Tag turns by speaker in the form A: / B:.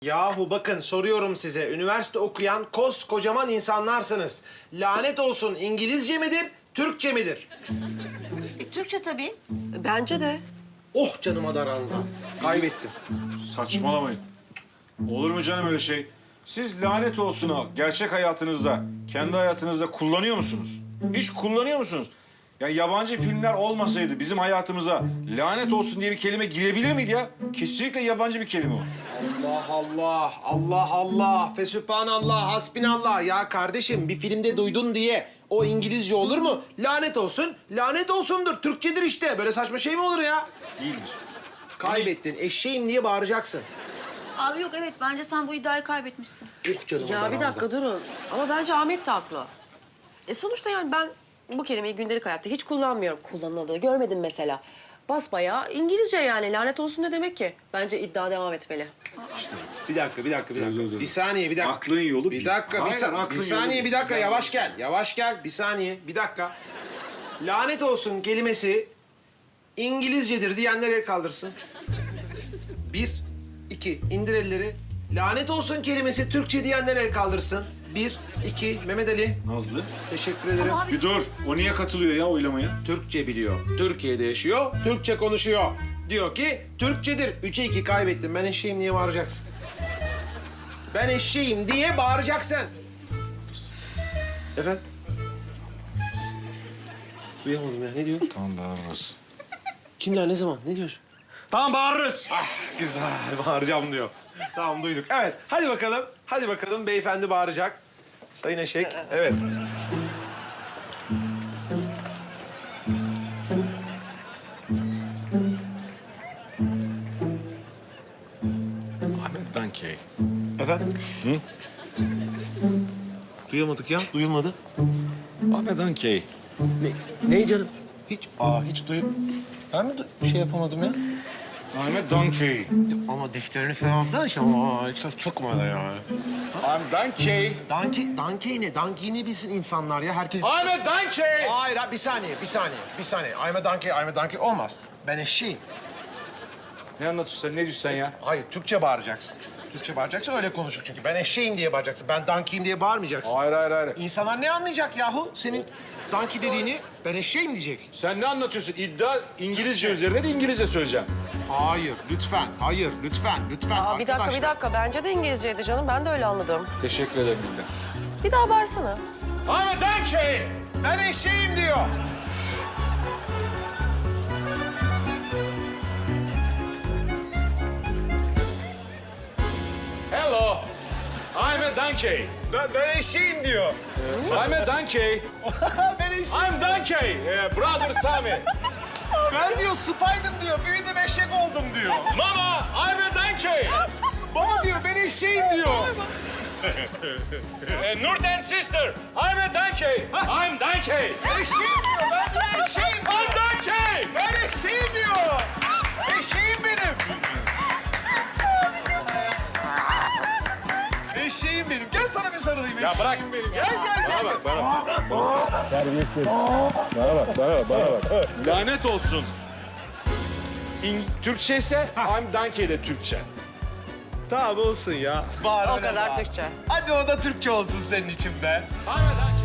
A: Yahu bakın soruyorum size. Üniversite okuyan koskocaman insanlarsınız. Lanet olsun İngilizce midir, Türkçe midir?
B: Türkçe tabii.
C: Bence de.
A: Oh canıma da ranza. Kaybettim.
D: Saçmalamayın. Olur mu canım öyle şey? Siz lanet olsun ha, gerçek hayatınızda, kendi hayatınızda kullanıyor musunuz? Hiç kullanıyor musunuz? Yani yabancı filmler olmasaydı bizim hayatımıza lanet olsun diye bir kelime girebilir miydi ya? Kesinlikle yabancı bir kelime o.
A: Allah Allah, Allah Allah, fesübhanallah, hasbinallah. Ya kardeşim bir filmde duydun diye o İngilizce olur mu? Lanet olsun, lanet olsundur. Türkçedir işte. Böyle saçma şey mi olur ya?
D: Değildir.
A: Kaybettin. Eşeğim diye bağıracaksın.
B: Abi yok evet bence sen bu iddiayı kaybetmişsin.
A: Oh canıma da
C: Ya bir
A: ranza.
C: dakika durun. Ama bence Ahmet de haklı. Sonuçta yani ben bu kelimeyi gündelik hayatta hiç kullanmıyorum. Kullanıldığını görmedim mesela. Basbayağı İngilizce yani. Lanet olsun ne demek ki? Bence iddia devam etmeli.
A: Bir dakika.
D: Dur.
A: Bir saniye, bir dakika.
D: Aklın yolu
A: Bir dakika,
D: Hayır, aklın
A: bir saniye,
D: yolu
A: bir dakika. Yavaş gel, yavaş gel. Bir saniye, bir dakika. Lanet olsun kelimesi İngilizcedir diyenler el kaldırsın. Bir, iki, indir elleri. Lanet olsun kelimesi Türkçe diyenler el kaldırsın. Bir, iki, Mehmet Ali.
D: Nazlı.
A: Teşekkür ederim.
B: Ama abi
D: Bir dur. O niye katılıyor ya oylamaya?
A: Türkçe biliyor. Türkiye'de yaşıyor, Türkçe konuşuyor. Diyor ki Türkçedir. 3'e 2 kaybettim. Ben eşeğim diye bağıracaksın. Ben eşeğim diye bağıracaksın. Efendim? Duyamadım ya. Ne diyor?
D: Tamam bağırırız.
A: Kimler ne zaman? Ne diyorsun?
D: Tamam bağırırız.
A: Ah güzel. Bağıracağım diyor. Tamam duyduk. Evet. Hadi bakalım. Hadi bakalım. Beyefendi bağıracak. Sayın Eşek. Evet.
D: Ahmet Dankey.
A: Efendim?
D: Hı?
A: Duyamadık ya. Duyulmadı.
D: Ahmet Dankey.
A: Ne canım? Hiç duyup... Ben mi şey yapamadım ya?
D: Ahmet Dankey.
A: Ama dişlerini falan da işte ama çok çıkmadı yani.
D: Ahmet Dankey.
A: Donkey ne? Donkey ne bilsin insanlar ya? Herkes...
D: Ahmet Dankey.
A: Hayır, bir saniye. I'm a donkey olmaz. Ben eşeğim.
D: Ne anlatıyorsun sen? Ne diyorsun sen ya?
A: Hayır, Türkçe bağıracaksın. Türkçe bağıracaksın, öyle konuşur çünkü. Ben eşeğim diye bağıracaksın. Ben donkey'im diye bağırmayacaksın.
D: Hayır.
A: İnsanlar ne anlayacak yahu? Senin donkey dediğini ben eşeğim diyecek.
D: Sen ne anlatıyorsun? İddia İngilizce üzerine de İngilizce söyleyeceğim.
A: Hayır, lütfen. Hayır, lütfen.
C: Aa, bir dakika. Bence de İngilizceydi canım. Ben de öyle anladım.
D: Teşekkür ederim Bilge.
C: Bir daha bağırsana.
D: Ahmet Dankey.
A: Ben eşeğim diyor.
D: Hello. I'm a donkey.
A: Ben eşeğim diyor.
D: I'm a donkey.
A: Ben eşeğim.
D: I'm donkey. Brother Sami.
A: Ben diyor Spider'ım diyor. Büyüdüm eşek oldum diyor.
D: Mama, I'm a donkey.
A: Baba diyor ben eşeğim diyor.
D: Nurten sister. I'm a donkey. I'm donkey.
A: Eşeğim diyor. Ben diyor eşeğim.
D: I'm donkey.
A: Ben eşeğim diyor. Eşeğim benim. Eşeğim benim. Gel sana bir sarılayım.
D: Ya bırak.
A: Benim. Gel.
D: Bana bak. Lanet olsun. Türkçe ise I'm donkey de Türkçe.
A: Tamam olsun ya.
C: O kadar Türkçe.
A: Hadi o da Türkçe olsun senin için be.
D: I'm a donkey.